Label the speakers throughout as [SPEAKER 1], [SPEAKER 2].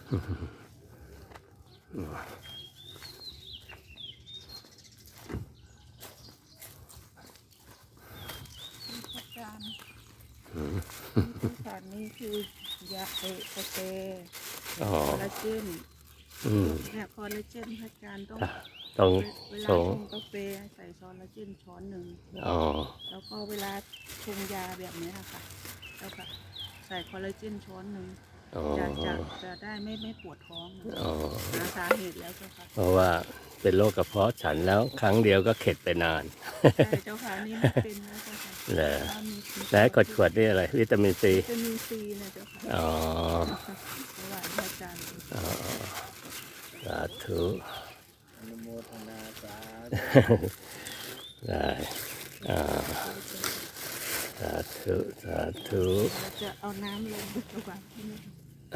[SPEAKER 1] สารนี้คือยาโอเคค
[SPEAKER 2] อ๋อ
[SPEAKER 1] อลลาเจน เนี่ยคอลลาเจนพระอาจารย์ต้อง
[SPEAKER 2] ตรง
[SPEAKER 1] เวลา
[SPEAKER 2] ส
[SPEAKER 1] ช
[SPEAKER 2] ง
[SPEAKER 1] งกาแฟใส่คอลลาเจนช้อนหนึ่ง
[SPEAKER 2] อ๋อ
[SPEAKER 1] แล้วก็เวลาชงยาแบบนี้ค่ะแล้วก็ใส่คอลลาเจนช้อนหนึ่ง
[SPEAKER 2] อ๋อ
[SPEAKER 1] จะได้ไม่ปวดท้องนะ
[SPEAKER 2] อ๋อ
[SPEAKER 1] หาสาเหตุแล้วเจ้าค่ะ
[SPEAKER 2] เพราะว่าเป็นโรคกระเพาะฉันแล้วครั้งเดียวก็เข็ดไปนาน
[SPEAKER 1] ใช่เจ้าค่ะนี่ไม่เป็นนะเจ้าค่ะ
[SPEAKER 2] เหรอ
[SPEAKER 1] ว่ามี
[SPEAKER 2] แล้วขวดนี่อะไร วิตามินซี
[SPEAKER 1] วิตามินซีนะเจ้าค่ะ
[SPEAKER 2] อ๋อ
[SPEAKER 1] ถวายพระอาจารย์
[SPEAKER 2] อ๋อ สาธุ
[SPEAKER 3] อนุโมทนาสา
[SPEAKER 2] ได้อ่าสาธุสาธุ
[SPEAKER 1] เราจะเอาน้ำลงไปถวายที่นี่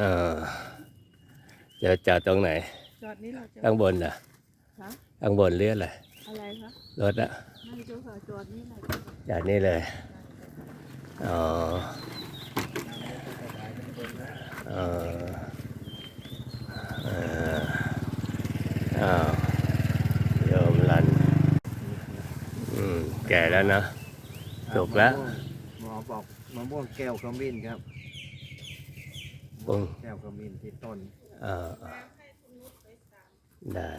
[SPEAKER 2] เดี๋ยวจอดตรงไหน
[SPEAKER 1] จอดนี้เราจะ
[SPEAKER 2] ข้างบนน่ะ
[SPEAKER 1] คะ
[SPEAKER 2] ข้างบนเรียกอะไร
[SPEAKER 1] อะไรคะ
[SPEAKER 2] รถอะ
[SPEAKER 1] ไม่เจ้าค่ะจอดนี้เลย
[SPEAKER 2] จอดนี่เลย อ๋อเอออ้าวโยมรัน แก่แล้วนะสุกแล้ว
[SPEAKER 3] หมอบอกมะม่วงแก้วขมิ้นครับ
[SPEAKER 2] ปุ้ง
[SPEAKER 3] แก้วขมิ้นที่ต้น
[SPEAKER 2] ได้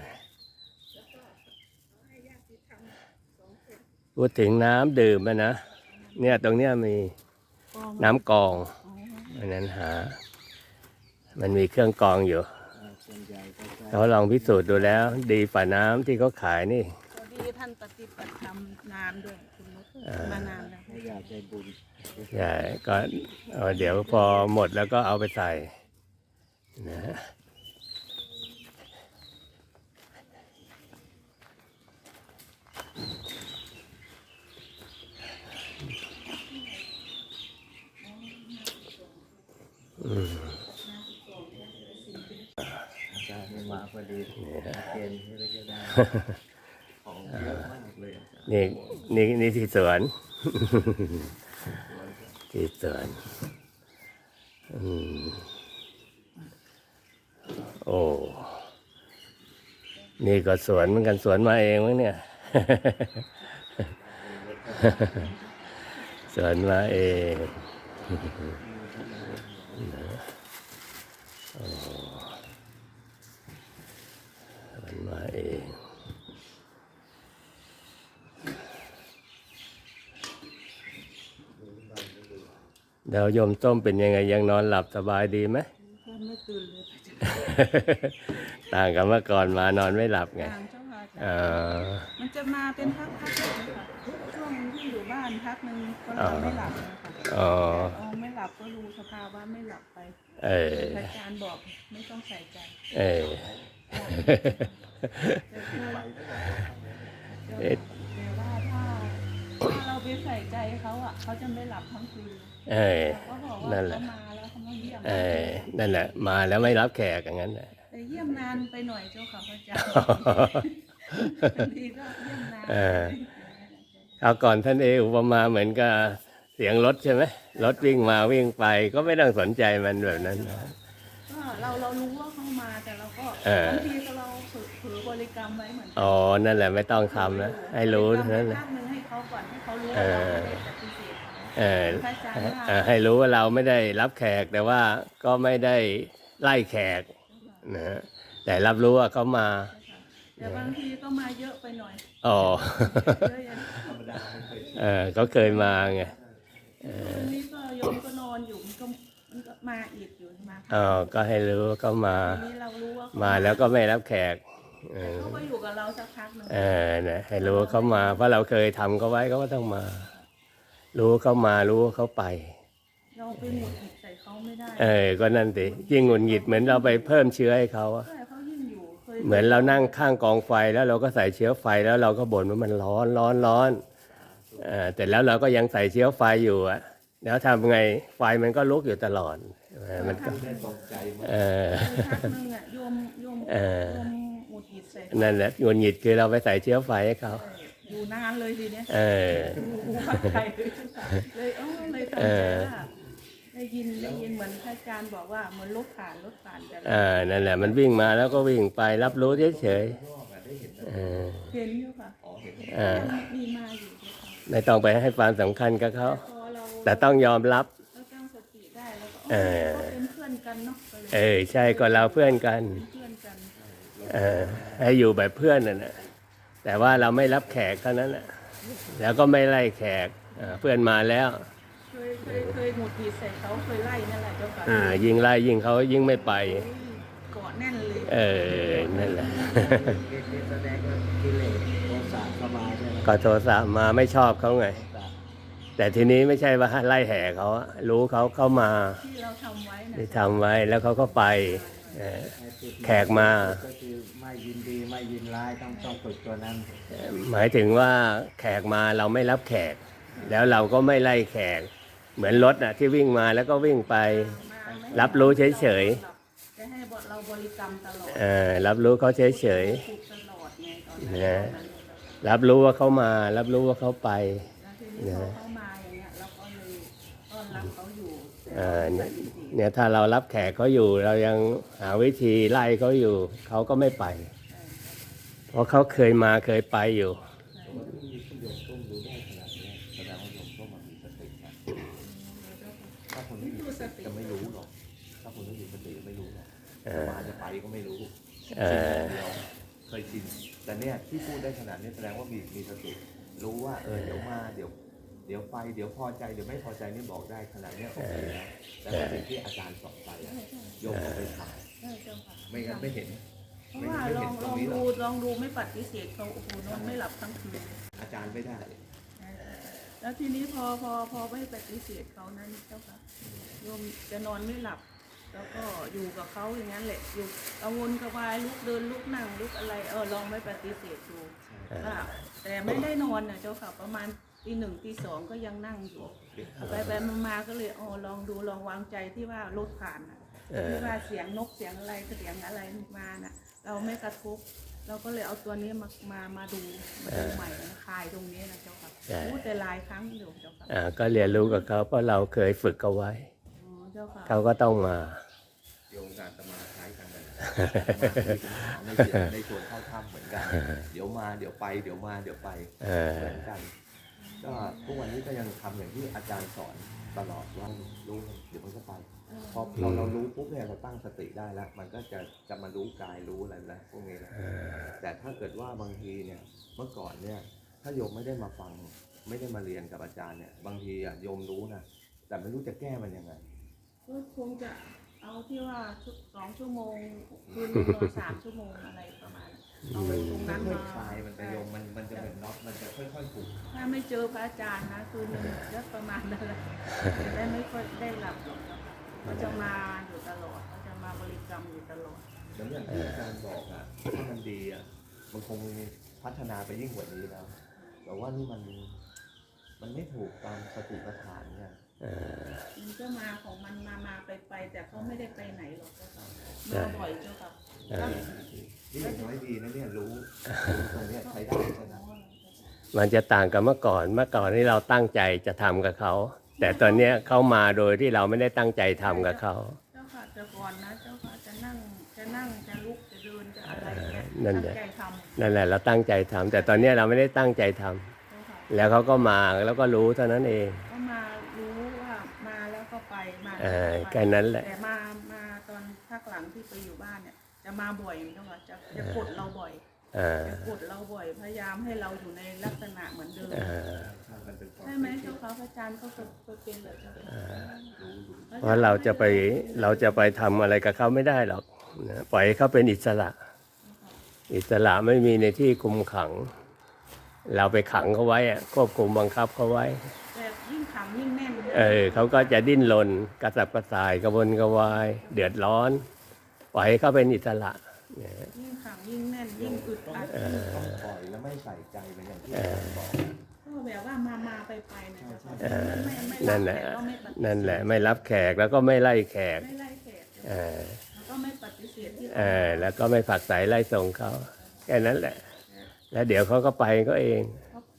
[SPEAKER 2] พูดถึงน้ำดื่มนะ เนี่ยตรงเนี้ยมีน้ำกรอง อันนั้นมันมีเครื่องกรองอยู่
[SPEAKER 3] ส่วนใหญ่ก็จะ
[SPEAKER 2] เขาลองพิสูจน์ดูแล้ว ดีฝ่าน้ำที่เขาขายนี่
[SPEAKER 1] พอดีท่านปฏิบัติธรรมนานด้วยคุณนุชมานานแล้ว
[SPEAKER 3] ไม่อยากใจบุญ
[SPEAKER 2] ใช่ก็เดี๋ยวพอหมดแล้วก็เอาไปใส่นะ
[SPEAKER 3] อาจารย์ไม่มาพอดีเกณฑ์ที่เราจะได้ของเยอะมากเลยอาจารย์
[SPEAKER 2] นี่ที่สวน ที่สวนโอ้ นี่ก็สวนเหมือนกันสวนมาเองมั้งเนี่ย สวนมาเองโอ้สวนมาเองเดี๋ยวโยมต้มเป็นยังไงยังนอนหลับสบายดีไหม
[SPEAKER 1] ท่านไม่ตื่นเลย
[SPEAKER 2] ต่างกับเมื่อก่อนมานอนไม่หลับไง
[SPEAKER 1] ทางเจ้าค่ะ
[SPEAKER 2] มัน
[SPEAKER 1] จะมาเป็นพักๆเลยค่ะช่วงที่อยู่บ้านพักหนึ่งก็นอนไม่หลับนะคะ
[SPEAKER 2] อ๋อ
[SPEAKER 1] ไม่หลับก็รู้สภาวะไม่หลับไป
[SPEAKER 2] เออ
[SPEAKER 1] อาจารย์บอกไม่ต้องใส่ใจ
[SPEAKER 2] เออ
[SPEAKER 1] แต่ว่าถ้าเราไปใส่ใจเขาอ่ะเขาจะไม่หลับทั้งคืน
[SPEAKER 2] เออ
[SPEAKER 1] เขาบอกว่า
[SPEAKER 2] นั่นแห
[SPEAKER 1] เขา
[SPEAKER 2] ละ
[SPEAKER 1] มาแล้วเขามาเยี่ยม
[SPEAKER 2] เออ นั่นแหละ มาแล้วไม่รับแขกอย่างนั้นแหละ
[SPEAKER 1] แต่เยี่ยมนานไปหน่อยเจ้าค่ะพระอาจารย์บางทีก็เยี่ยมนาน
[SPEAKER 2] เออ เอาก่อนท่านอุปมาเหมือนกับเสียงรถใช่ไหมรถวิ่งมาวิ่งไปก็ไม่ต้องสนใจมันแบบนั้นนะ
[SPEAKER 1] ก็เรารู้ว่าเขามาแต่เราก็
[SPEAKER 2] เออ
[SPEAKER 1] บางทีก็เราเผลอบริกรรมไว้เหมือนกัน
[SPEAKER 2] อ๋อ นั่นแหละไม่ต้องทำนะให้รู้เท่านั้น
[SPEAKER 1] บ
[SPEAKER 2] นะ
[SPEAKER 1] ริกรรมไว้พักหนึ่งให้เขาก่อนให้เขารู้ว่าเราไม่ได้ปฏิเสธเขา
[SPEAKER 2] เออ
[SPEAKER 1] พระอาจารย์ว่า
[SPEAKER 2] ให้รู้ว่าเราไม่ได้รับแขกแต่ว่าก็ไม่ได้ไล่แขกนะแต่รับรู้ว่าเขามา
[SPEAKER 1] แต่บางทีก็มาเยอะไปหน่อย
[SPEAKER 2] อ๋อ
[SPEAKER 1] เยอะอย่าง
[SPEAKER 3] ธรรมดาไม่เคย
[SPEAKER 2] เขาเคยมาไง
[SPEAKER 1] วันนี้ก็โยมก็นอนอยู่มันก็มาอีกอยู่มา
[SPEAKER 2] อ๋อ ก็ให้รู้ว่าเขามา
[SPEAKER 1] วันนี้เรารู้ว่าเขา
[SPEAKER 2] มาแล้วก็ไม่รับแขก
[SPEAKER 1] แต่เขาก็อยู่กับเราสักพักหนึ่ง
[SPEAKER 2] นะให้รู้ว่าเขามา เพราะเราเคยทำเขาไว้เขาก็ต้องมา รู้ว่าเขามารู้ว่าเขาไป
[SPEAKER 1] เราไปหงุดหงิดใส่เขาไม่ได้
[SPEAKER 2] ก็นั่นสิยิ่งหงุดหงิดเหมือนเราไปเพิ่มเชื้อให้เขาอะ
[SPEAKER 1] ใช่เขายิ่งอยู่เคย
[SPEAKER 2] เหมือนเรานั่งข้างกองไฟแล้วเราก็ใส่เชื้อไฟแล้วเราก็บ่นว่ามันร้อนร้อนร้อนแต่แล้วเราก็ยังใส่เชื้อไฟอยู่อะแล้วทำไงไฟมันก็ลุกอยู่ตลอดมันก็
[SPEAKER 3] ได้ตกใจมาก
[SPEAKER 1] พักหนึ่งอ่ะโยมโยมหงุดหงิดใส่เขา
[SPEAKER 2] นั่นแหละหงุดหงิดคือเราไปใส่เชื้อไฟให้เขา
[SPEAKER 1] อยู่นานเลยทีเนี้ย
[SPEAKER 2] เออ
[SPEAKER 1] ดูพักใจเลยเลยเลยทำใจว่าในได้ยินเหมือนพระอาจารย์บอกว่าเหมือนรถผ่านแต่
[SPEAKER 2] นั่นแหละมันวิ่งมาแล้วก็วิ่งไปรับรู้เฉย
[SPEAKER 3] รอบอะได้เห็นนะ
[SPEAKER 2] ๆ
[SPEAKER 1] เห็นอยู่ค่ะ
[SPEAKER 3] อ๋อเห็น
[SPEAKER 1] มีมาอยู่ด้วยค่ะ
[SPEAKER 2] ไม่ต้องไปให้ความสำคัญกับเขา
[SPEAKER 1] พอเรา
[SPEAKER 2] แต่ต้องยอมรับ
[SPEAKER 1] เราตั้งสติได้แล้วก็
[SPEAKER 2] เออ
[SPEAKER 1] ก็เป็นเพื่อนกันเนาะก็เลย
[SPEAKER 2] ใช่ก็เราเพื่อนกัน
[SPEAKER 1] เป็นเพื่อนกัน
[SPEAKER 2] ให้อยู่แบบเพื่อนน่ะนะแต่ว่าเราไม่รับแขกเท่านั้นน่ะแล้วก็ไม่ไล่แขกเพื่อนมาแล้ว
[SPEAKER 1] เคยหงุดหงิดใส่เขาเคยไล่นั่นแหละเจ้าค่ะ
[SPEAKER 2] ยิ่งไล่ยิ่งเขายิ่งไม่ไป
[SPEAKER 1] โอ้ยเกาะแน่นเลย
[SPEAKER 2] นั่นแหละ
[SPEAKER 3] นี่แสดงว่ากิเลสโทสะเข้ามาใช่ไหม
[SPEAKER 2] ก็โทสะมาไม่ชอบเขาไง แต่ทีนี้ไม่ใช่ว่าไล่แห่เขาอะรู้เขาเข้ามา
[SPEAKER 1] ที่เราทำไว้นะ
[SPEAKER 2] ที่ทำไว้แล้วเขาก็ไปแขกมา
[SPEAKER 3] ก็คือไม่ยินดีไม่ยินร้ายต้องฝึกตัวนั้น
[SPEAKER 2] หมายถึงว่าแขกมาเราไม่รับแขก แล้วเราก็ไม่ไล่แขก เหมือนรถน่ะที่วิ่งมาแล้วก็วิ่งไป
[SPEAKER 1] มาไม่
[SPEAKER 2] รับรู้เฉย
[SPEAKER 1] จะให้เราบริกรรมตลอด
[SPEAKER 2] รับรู้เขาเฉย
[SPEAKER 1] ถูกตลอดไงตอนนั้น
[SPEAKER 2] ๆรับรู้ว่าเขามา รับรู้ว่าเขาไป
[SPEAKER 1] แล้วทีนี้พอเขามาอย่างเงี้ยเราก็เลยต้อนรับเขาอยู่
[SPEAKER 2] เนี่ยถ้าเรารับแขกเขาอยู่ เรายังหาวิธีไล่เขาอยู่ เขาก็ไม่ไป เพราะเขาเคยมาเคยไปอยู่
[SPEAKER 3] แต่ว่าที่โยมต้มรู้ได้ขนาดนี้แสดงว่าโยมต้มมันมีสตินะถ้าคนไม่มีสติจะไม่รู้หรอกถ้าคนไม่มีสติไม่รู้หรอกมาจะไปก็ไม่รู้
[SPEAKER 2] เออ
[SPEAKER 3] เดียวเคยชินแต่เนี่ยที่พูดได้ขนาดนี้แสดงว่ามีสติรู้ว่าเดี๋ยวมาเดี๋ยวไปเดี๋ยวพอใจเดี๋ยวไม่พอใจนี่บอกได้ขนาดเนี้ยโอเคแล้วแต่ว่าสิ่งที่อาจารย์สอนไปอะโยมเอาไปท
[SPEAKER 1] ได้เจ้าค่ะ
[SPEAKER 3] ำไม่งั้นไม่เห็น
[SPEAKER 1] เพราะว่าลองดูไม่ปฏิเสธเขาโอ้โหนอนไม่หลับทั้งคืน
[SPEAKER 3] อาจารย์ไม่ได้
[SPEAKER 1] แล้วทีนี้พอไม่ปฏิเสธเขานั้นเจ้าค่ะโยมจะนอนไม่หลับ แล้วก็อยู่กับเขาอย่างนั้นแหละอยู่กังวลกระวายลุกเดินลุกนั่งลุกอะไรลองไม่ปฏิเสธดูว่าแต่ไม่ได้นอนนะเจ้าค่ะประมาณตี 1ตี 2ก็ยังนั่งอยู่ไปมาก็เลยลองดูลองวางใจที่ว่ารถผ่านนะที่ว่าเสียงนกเสียงอะไรเสียงอะไรมาน่ะ เราไม่กระทบเราก็เลยเอาตัวนี้มาดูใหม่คลายตรงนี้นะเจ้าค่ะพูดแต่หลายครั้งอยู่เจ้าค่ะ
[SPEAKER 2] ก็เรียนรู้กับเขาเพราะเราเคยฝึกเขาไว้
[SPEAKER 1] เจ้าค่ะ
[SPEAKER 2] เขาก็ต้องมา
[SPEAKER 3] โยมการตมาคล้ายกันเลยในส่วนเข้าถ้ำเหมือนกัน เดี๋ยวมาเดี๋ยวไปเดี๋ยวมาเดี๋ยวไปเหมือนกัน ก็ทุกวันนี้ก็ยังทำอย่างที่อาจารย์สอนตลอดว่ารู้เดี๋ยวมันก็ไปพอเรารู้ปุ๊บเนี่ยเราตั้งสติได้แล้ว มันก็จะมารู้กายรู้อะไรแล้วพวกนี้แล้วแต่ถ้าเกิดว่าบางทีเนี่ยเมื่อก่อนเนี่ยถ้าโยมไม่ได้มาฟังไม่ได้มาเรียนกับอาจารย์เนี่ยบางทีโยมรู้นะแต่ไม่รู้จะแก้มันยังไง
[SPEAKER 1] ก็คงจะเอาที่ว่า2 ชั่วโมงคืนนอน3 ชั่วโมงอะไรประมาณเอาไปตรงนั้น
[SPEAKER 3] ค่อย
[SPEAKER 1] มา
[SPEAKER 3] ๆคลายมันไปโยมมันจะเป็นน็อตมันจะค่อยๆผูก
[SPEAKER 1] ถ้าไม่เจอพระอาจารย์นะคืนนึงก็ประมาณนั้นแหละจะได้ไม่ค่อยได้หลับหรอกนะคะเขาจะมาอยู่ตลอดเขาจะมาบริกรรมอยู่ตลอด
[SPEAKER 3] แล้วอย่างที่อาจารย์บอกอ่ะถ้ามันดีอ่ะมันคงพัฒนาไปยิ่งกว่านี้แล้ว แต่ว่านี่มันไม่ถูกตามสติปัฏฐานเนี่ย
[SPEAKER 1] มันก็มาของมันมาไปแต่เขาไม่ได้ไปไหนหรอกเจ้าค่ะมาบ่อยเจ้าค่ะ
[SPEAKER 3] นี่อย่างน้อยดีนะเนี่ยรู้ตรงเนี้ยใช้ได้ใช่ไหม
[SPEAKER 2] มันจะต่างกับเมื่อก่อนนี่เราตั้งใจจะทำกับเขา แต่ตอนเนี้ยเขามาโดยที่เราไม่ได้ตั้งใจทำกับเขา
[SPEAKER 1] เจ้าค่ะแต่ก่อนนะเจ้าค่ะจะนั่งจะลุกจะเดินจะอะไรเงี้ย
[SPEAKER 2] นั่น
[SPEAKER 1] ตั้
[SPEAKER 2] แห
[SPEAKER 1] ง
[SPEAKER 2] ละ
[SPEAKER 1] ใจทำ
[SPEAKER 2] นั่นแหละเราตั้งใจทำแต่ตอนเนี้ยเราไม่ได้ตั้งใจทำ
[SPEAKER 1] เจ้าค่ะ
[SPEAKER 2] แล้วเขาก็มาแล้วก็รู้เท่านั้นเอง
[SPEAKER 1] ก็มารู้ว่ามาแล้วก็ไปมา
[SPEAKER 2] แค่นั้นแหละ
[SPEAKER 1] แต่มาตอนภาคหลังที่ไปอยู่บ้านเนี่ย จะมาบ่อยเจ้าค่ะจะกดเราบ่อย จะกดเราบ่อยพยายามให้เราอยู่ในลักษณะเหมือนเดิม
[SPEAKER 3] มันเป็นความ
[SPEAKER 1] ใช่ไหมเจ้าค่ะพระอาจารย์ก็เคยเป็นแบบเจ้าค่ะ
[SPEAKER 2] เพราะเราจะไปทำอะไรกับเขาไม่ได้หรอกนะปล่อยให้เขาเป็นอิสระ อิสระไม่มีในที่คุมขัง เราไปขังเขาไว้อะควบคุมบังคับเขาไว้
[SPEAKER 1] แต่ยิ่งขังยิ่งแน่น
[SPEAKER 2] เขาก็จะดิ้นรนกระสับกระส่ายกระวนกระวาย เดือดร้อน ปล่อยให้เขาเป็นอิสระเนี่ย
[SPEAKER 1] ยิ่งขังยิ่งแน่นยิ่งอึดอัด
[SPEAKER 3] ต้องปล่อยแล้วไม่ใส่ใจเป็นอย่างที่อาจารย์บอก
[SPEAKER 1] ก็แบบว่ามาไปนะเจ้าค่ะไม่
[SPEAKER 2] นั่นแหละนั่นแหละไม่รับแขกแล้วก็ไม่ไล่แขก
[SPEAKER 1] ไม่ไล่แขก
[SPEAKER 2] เออ
[SPEAKER 1] แล้วก็ไม่ปฏิเสธที่
[SPEAKER 2] แล้วก็ไม่ผลักไสไล่ส่งเขาแค่นั้นแหละ แล้วเดี๋ยวเขาก็ไปก็เอง
[SPEAKER 1] เขาไป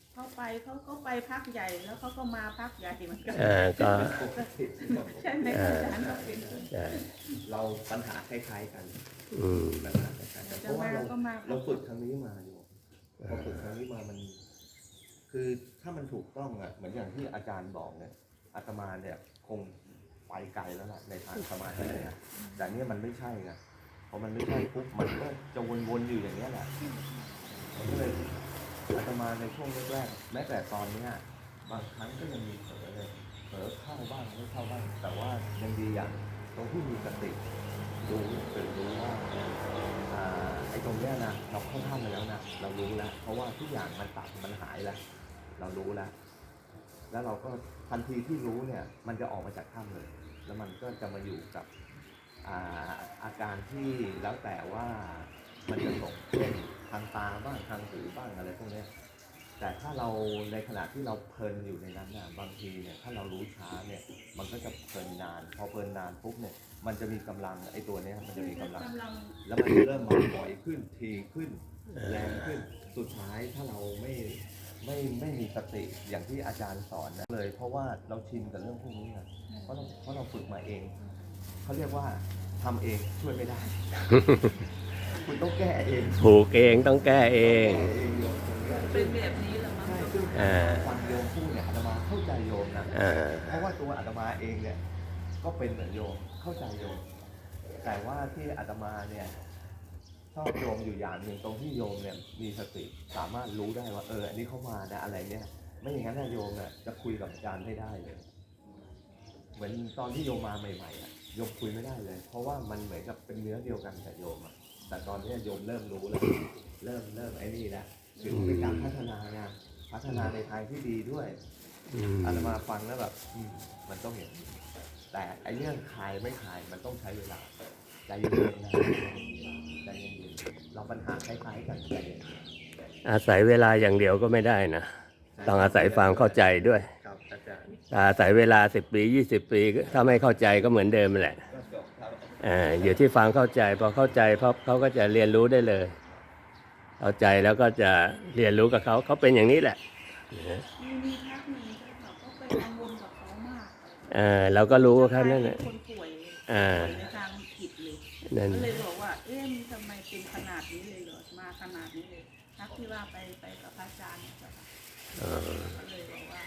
[SPEAKER 1] เขาก็ไปพักใหญ่แล้วเขาก็มาพักใหญ่เหมือนกัน
[SPEAKER 2] ก็
[SPEAKER 1] ใช่ไหมอาจารย์เราเป็น
[SPEAKER 2] ใช่
[SPEAKER 3] เราปัญหาคล้ายๆกัน
[SPEAKER 2] อืม
[SPEAKER 3] ปัญหาคล้ายๆกันเพราะว่าเราฝึกครั้งนี้มาอยู่พอฝึกครั้งนี้มามัน คือถ้ามันถูกต้องอ่ะเหมือนอย่างที่อาจารย์บอกเนี่ยอาตมาเนี่ยคงไปไกลแล้วล่ะในทางสมาธิเนี่ยแต่เนี่ยมันไม่ใช่ไงพอมันไม่ใช่ปุ๊บมันก็จะวนๆอยู่อย่างนี้ยแหละมันก็เลยอาตมาในช่วงแรกๆแม้แต่ตอนเนี้ยบางครั้งก็ยังมีเผลอเลยเผลอเข้าบ้างไม่เข้าบ้างแต่ว่ายังดีอย่างตรงที่มีสติรู้ตื่นรู้ว่าไอ้ตรงเนี้ยนะเราเข้าท่ามาแล้วนะเรารู้แล้วเพราะว่าทุกอย่างมันตัดมันหายแล้วเรารู้แล้วแล้วเราก็ทันทีที่รู้เนี่ยมันจะออกมาจากถ้ำเลยแล้วมันก็จะมาอยู่กับอาการที่แล้วแต่ว่ามันจะส่งเช่นทางตาบ้างทางหูบ้างอะไรพวกนี้แต่ถ้าเราในขณะที่เราเพลินอยู่ในนั้นน่ะบางทีเนี่ยถ้าเรารู้ช้าเนี่ยมันก็จะเพลินนานพอเพลินนานปุ๊บเนี่ยมันจะมีกำลังไอ้ตัวเนี้ยมันจะมีกำลังแล้วมันจะเริ่มมาบ่อยขึ้นทีขึ้นแรงขึ้นสุดท้ายถ้าเราไม่มีสติอย่างที่อาจารย์สอนนะเลยเพราะว่าเราชินกับเรื่องพวกนี้นะเพราะเราฝึกมาเองเขาเรียกว่าทำเองช่วยไม่ได้ คุณต้องแก้เอง
[SPEAKER 2] ถูกเองต้องแก้เอง
[SPEAKER 1] เป็นแบบนี้แหละมั้ง
[SPEAKER 3] ใช่ซึ่งฟังโยมพูดเนี่ยอาตมาเข้าใจโยมนะเพราะว่าตัวอาตมาเองเนี่ยก็เป็นเหมือนโยมเข้าใจโยมแต่ว่าที่อาตมาเนี่ยชอบโยมอยู่อย่างหนึ่งตรงที่โยมเนี่ยมีสติสามารถรู้ได้ว่าอันนี้เข้ามานะอะไรเนี่ยไม่อย่างนั้นนะโยมเนี่ยจะคุยกับอาจารย์ไม่ได้เลยเหมือนตอนที่โยมมาใหม่ๆอะโยมคุยไม่ได้เลยเพราะว่ามันเหมือนกับเป็นเนื้อเดียวกันกับโยมอะแต่ตอนนี้โยมเริ่มรู้แล้วเริ่มไอ้นี่แล้วถือเป็นการพัฒนาไงพัฒนาในทางที่ดีด้วยอาตมาฟังแล้วแบบมันต้องอย่างนี้แต่ไอ้เรื่องคลายไม่คลายมันต้องใช้เวลาใจเย็นๆนะใจเย็นๆเราปัญหาคล้ายๆกันใจเย็น
[SPEAKER 2] อาศัยเวลาอย่างเดียวก็ไม่ได้นะต้องอาศัยความเข้าใจด้วย
[SPEAKER 3] ครับอาจารย์
[SPEAKER 2] อาศัยเวลา10 ปี20 ปีถ้าไม่เข้าใจก็เหมือนเดิมแหละ
[SPEAKER 3] ก็จบครับ
[SPEAKER 2] อยู่ที่ฟังเข้าใจพอเข้าใจเพราะเขาก็จะเรียนรู้ได้เลยเข้าใจแล้วก็จะเรียนรู้กับเขาเป็นอย่างนี้แหละ
[SPEAKER 1] มีพักหนึ่งที่เขาก็ไปกังวลกับเขามาก
[SPEAKER 2] เราก็รู้ว่าเขานั่นแหละ
[SPEAKER 1] คนป่วย
[SPEAKER 2] อ่า
[SPEAKER 1] ในทางจิตเลย
[SPEAKER 2] นั่น
[SPEAKER 1] ก็เลยบอกว่าทำไมเป็นขนาดนี้เลยเหรอมาขนาดนี้เลยพักที่ว่าไปกับพระอาจารย์เนี่ยค่ะก็เลยบอกว่า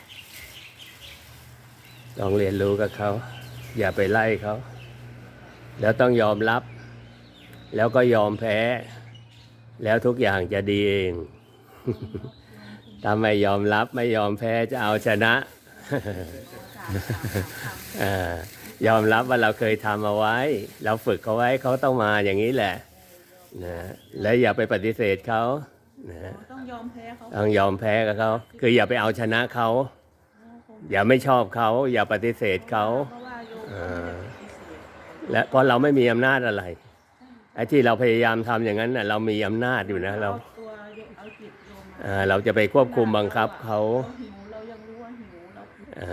[SPEAKER 2] ต้องเรียนรู้กับเขาอย่าไปไล่เขาแล้วต้องยอมรับ แล้วก็ยอมแพ้ แล้วทุกอย่างจะดีเอง ถ้าไม่ยอมรับไม่ยอมแพ้จะเอาชนะ ยอมรับว่าเราเคยทำเอาไว้ เราฝึกเขาไว้เขาต้องมาอย่างนี้แหละนะและอย่าไปปฏิเสธเขานะ
[SPEAKER 1] ต้องยอมแพ้เขา
[SPEAKER 2] ต้องยอมแพ้กับเขาคืออย่าไปเอาชนะเขาอย่าไม่ชอบเขาอย่าปฏิเสธเขา
[SPEAKER 1] เพราะว่าโยมเขาไม่ได้ปฏิเสธ
[SPEAKER 2] และเพราะเราไม่มีอำนาจอะไรไอ้ที่เราพยายามทำอย่างนั้นน่ะเรามีอำนาจอยู่นะเรา
[SPEAKER 1] ตัวเอาจิตโยมมา
[SPEAKER 2] เราจะไปควบคุมบังคับเขา
[SPEAKER 1] หิวเรายังรู้ว่าหิวเรา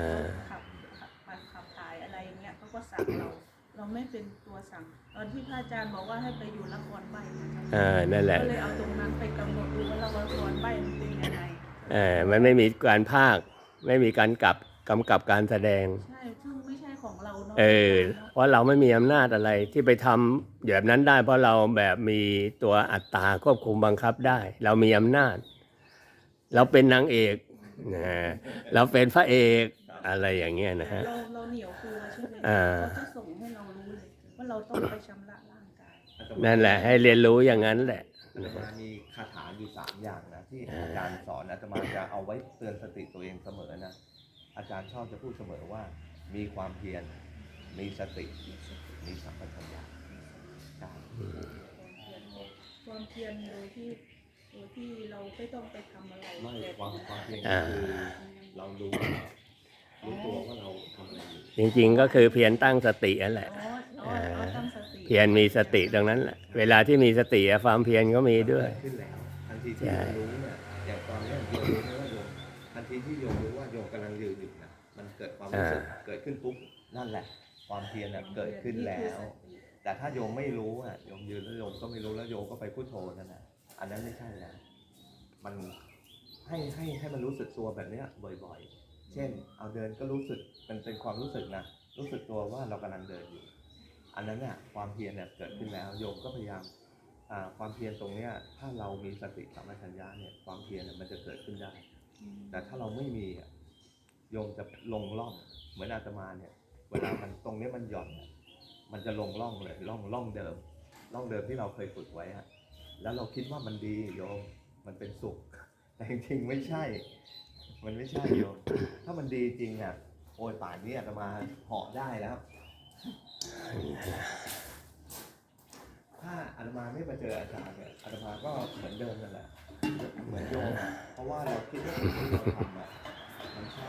[SPEAKER 1] ขับถ่ายอะไรอย่างเงี้ยเขาก็สั่งเราไม่เป็นตัวสั่งตอนที่พระอาจารย์บอกว่าให้ไปอยู่ละครใบ้นะคะ
[SPEAKER 2] นั่นแหละ
[SPEAKER 1] ก็เลยเอาตรงนั้นไปกำหนดดูว่าละครใบ้มันเป็นยังไง
[SPEAKER 2] มันไม่มีการพากย์ไม่มีการกำกับการแสดง
[SPEAKER 1] ใช่ซึ่งไม่ใช่ของเราเนาะ
[SPEAKER 2] เพราะเราไม่มีอำนาจอะไรที่ไปทำแบบนั้นได้ เพราะเราแบบมีตัวอัตตาควบคุมบังคับได้ เรามีอำนาจ เราเป็นนางเอกนะเราเป็นพระเอกอะไรอย่างเงี้ยนะฮะ
[SPEAKER 1] เราเหนียวตัวใช่ไหม
[SPEAKER 2] อ่า
[SPEAKER 1] เขาจะส่งให้เรารู้เลยว่าเราต้องไปชำระร่างกาย
[SPEAKER 2] นั่นแหละให้เรียนรู้อย่างนั้นแหละ
[SPEAKER 3] อาตมามีคาถาอยู่3อย่างนะที่อาจารย์สอนอาตมาจะเอาไว้เตือนสติตัวเองเสมอนะอาจารย์ชอบจะพูดเสมอว่ามีความเพียรมีสติมีสัมปชัญญะใช่
[SPEAKER 1] ความเพียรโดยที่เราไม่ต้องไปทำอะไร
[SPEAKER 3] ไม่ความเพียร
[SPEAKER 2] อ่า
[SPEAKER 3] คือเรารู้ตัวว่าเราทำอะไรอยู่
[SPEAKER 2] จริงๆก็คือเพียรตั้งสตินั่นแหละ
[SPEAKER 1] ตั้งสติ
[SPEAKER 2] เพียรมีสติตรงนั้นแหละเวลาที่มีสติความเพียรก็มีด้วย
[SPEAKER 3] เกิขึ้นแล้วทันทีที่โยมรู้เนี่ยอย่างตอนเนี้ยโยมรู้ไหมว่าโยมทันทีที่โยมรู้ว่าโยมกำลังยืนอยู่นะมันเกิดความรู้สึกเกิดขึ้นปุ๊บนั่นแหละ ความเพียรน่ะเกิดขึ้นแล้ว แต่ถ้าโยมไม่รู้อ่ะโยมยืนแล้วโยมก็ไม่รู้แล้วโยมก็ไปพุทโธนั่นแหละอันนั้นไม่ใช่นะมันใให้มันรู้สึกตัวแบบเนี้ยบ่อยๆ เช่น เอาเดินก็รู้สึกมันเป็นความรู้สึกนะรู้สึกตัวว่าเรากำลังเดินอยู่ อันนั้นเนี่ยความเพียรเนี่ยเกิดขึ้นแล้วโยมก็พยายามความเพียรตรงเนี้ยถ้าเรามีสติสัมปชัญญะเนี่ยความเพียรเนี่ยมันจะเกิดขึ้นได้ แต่ถ้าเราไม่มีโยมจะลงร่องเหมือนอาตมาเนี่ยเวลามันตรงนี้มันหย่อนมันจะลงร่องเลยร่องเดิมที่เราเคยฝึกไว้แล้วเราคิดว่ามันดีโยมมันเป็นสุขแต่จริงๆไม่ใช่มันไม่ใช่โยมถ้ามันดีจริงโอ้ยป่านนี้อาตมาเหาะได้แล้วถ้าอาตมาไม่มาเจออาจารย์เนี่ยอาตมาก็เหมือนเดิมนั่นแหละเหมือนโยมเพราะว่าเราคิดว่าสิ่งที่เราทำมันใช่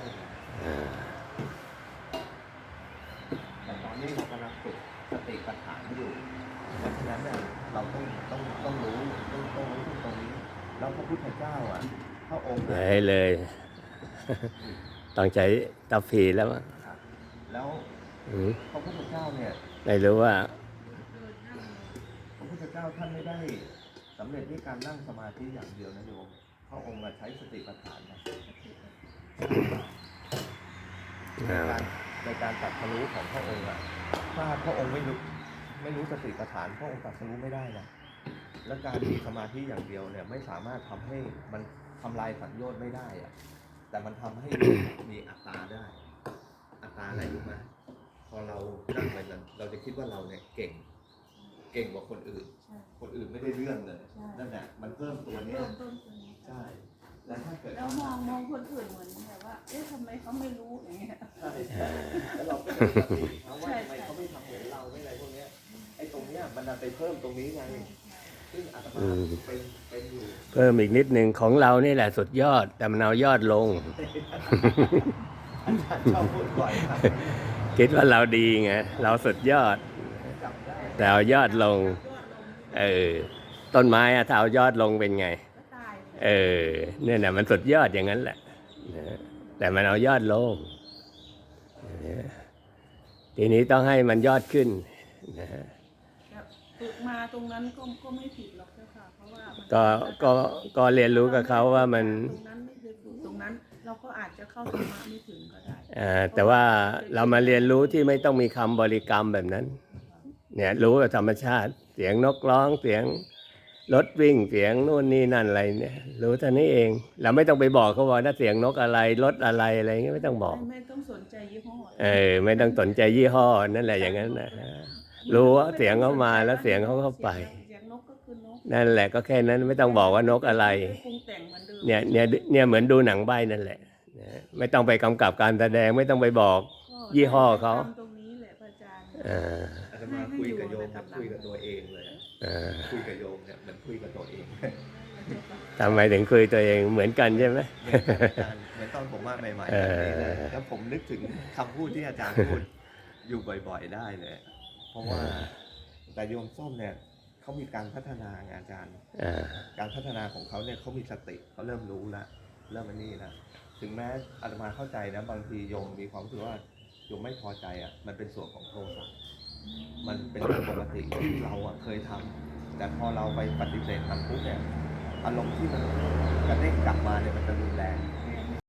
[SPEAKER 3] แต่ตอนนี้เรากำลังฝึกสติปัฏฐานอยู่เพราะฉะนั้นเนี่ยเราต้องรู้ตรงนี้แล้วพระพุทธเจ้าพระองค์
[SPEAKER 2] เลยต้องใช้ตาผีแล้วมั้ง
[SPEAKER 3] แล้วพระพุทธเจ้าเนี่ย
[SPEAKER 2] ไม่รู้ว่า
[SPEAKER 3] พระพุทธเจ้าท่านไม่ได้สำเร็จด้วยการนั่งสมาธิอย่างเดียวนะโยมพระองค์ใช้สติปัฏฐานในการตรัสรู้ของพระองค์ถ้าพระองค์ไม่รู้สติปัฏฐานพระองค์ตรัสรู้ไม่ได้นะและการมีสมาธิอย่างเดียวเนี่ยไม่สามารถทำให้มันทำลายสัญญาณไม่ได้แต่มันทำให้มีอัตตาได้อัตตาอะไรรู้ไหมพอเรานั่งไปนั้นเราจะคิดว่าเราเนี่ยเก่งกว่าคนอื่นไม่ได้เรื่องเลยนั่นแหละมันเพิ่มตัวนี้ใช่แล้วถ้าเกิด
[SPEAKER 1] แล้วมองคนอื่นเหมือนแบบว่าทำไมเขาไม่รู้อย่างเงี้ย
[SPEAKER 3] ใช่แล้วเราก็จะมีสติว่าทำไมเขาไม่ทำเหมือนเราไม่อะไรพวกนี้ไอ้ตรงเนี้ยมันไปเพิ่มตรงนี้ไงซึ่งอาตมาเป็นอยู่
[SPEAKER 2] เพิ่มอีกนิดนึงของเรานี่แหละสุดยอดแต่มันเอายอดลง
[SPEAKER 3] อาจารย์ชอบพูดบ่อยครับ
[SPEAKER 2] คิดว่าเราดีไงเราสุดยอดแต่เอายอดลงต้นไม้ถ้าเอายอดลงเป็นไงเนี่ยนะมันสุดยอดอย่างนั้นแหละแต่มันเอายอดลงทีนี้ต้องให้มันยอดขึ้น
[SPEAKER 1] ฝึกมาตรงนั้นก็ไม่ผิดหรอกเจ้าค่ะเพราะว่า
[SPEAKER 2] ก็เรียนรู้กับเขาว่ามัน
[SPEAKER 1] ตรงนั้นไม่ได้ฝึกตรงนั้นเราก็อาจจะเข้าธรรมะไม่ถึงก็ได้
[SPEAKER 2] แต่ว่าเรามาเรียนรู้ที่ไม่ต้องมีคำบริกรรมแบบนั้นเนี่ยรู้กับธรรมชาติเสียงนกร้องเสียงรถวิ่งเสียงนู่นนี่นั่นอะไรเนี่ยรู้เท่านี้เองเราไม่ต้องไปบอกเขาว่าถ้าเสียงนกอะไรรถอะไรอะไรเงี้ยไม่ต้องบอก
[SPEAKER 1] ไม่ต้องสนใจยี่ห้
[SPEAKER 2] อไม่ต้องสนใจยี่ห้อนั่นแหละอย่างนั้นนะรู้ว่าเสียงเขามาแล้วเสียงเขาเข้าไปนั่นแหละก็แค่นั้นไม่ต้องบอกว่านกอะไรเนี่ยเหมือนดูหนังใบ้นั่นแหละไม่ต้องไปกำกับการแสดงไม่ต้องไปบอกยี่ห้อเขา
[SPEAKER 1] ตรงนี้แหละอาจารย์
[SPEAKER 3] อาตมาคุยกับโยมคุยกับตัวเองเลยคุยกับโยมเนี่ยมันคุยกับตัวเอง
[SPEAKER 2] ทำไมถึงคุยตัวเองเหมือนกันใช่ไหม
[SPEAKER 3] เหมือนตอนผมมาใหม่ๆแล้วผมนึกถึงคำพูดที่อาจารย์พูดอยู่บ่อยๆได้เลยเพราะว่าแต่โยมส้มเนี่ยเขามีการพัฒนาไงอาจารย์การพัฒนาของเขาเนี่ยเขามีสติเขาเริ่มรู้แล้วเริ่มนี่นะถึงแม้อาตมาเข้าใจนะบางทีโยมมีความรู้สึกว่าโยมไม่พอใจมันเป็นส่วนของโทสะมันเป็นเรื่องปกติที่เราเคยทำแต่พอเราไปปฏิเสธมันปุ๊บเนี่ยอารมณ์ที่มันกระเด้งกลับมาเนี่ยมันจะรุนแรง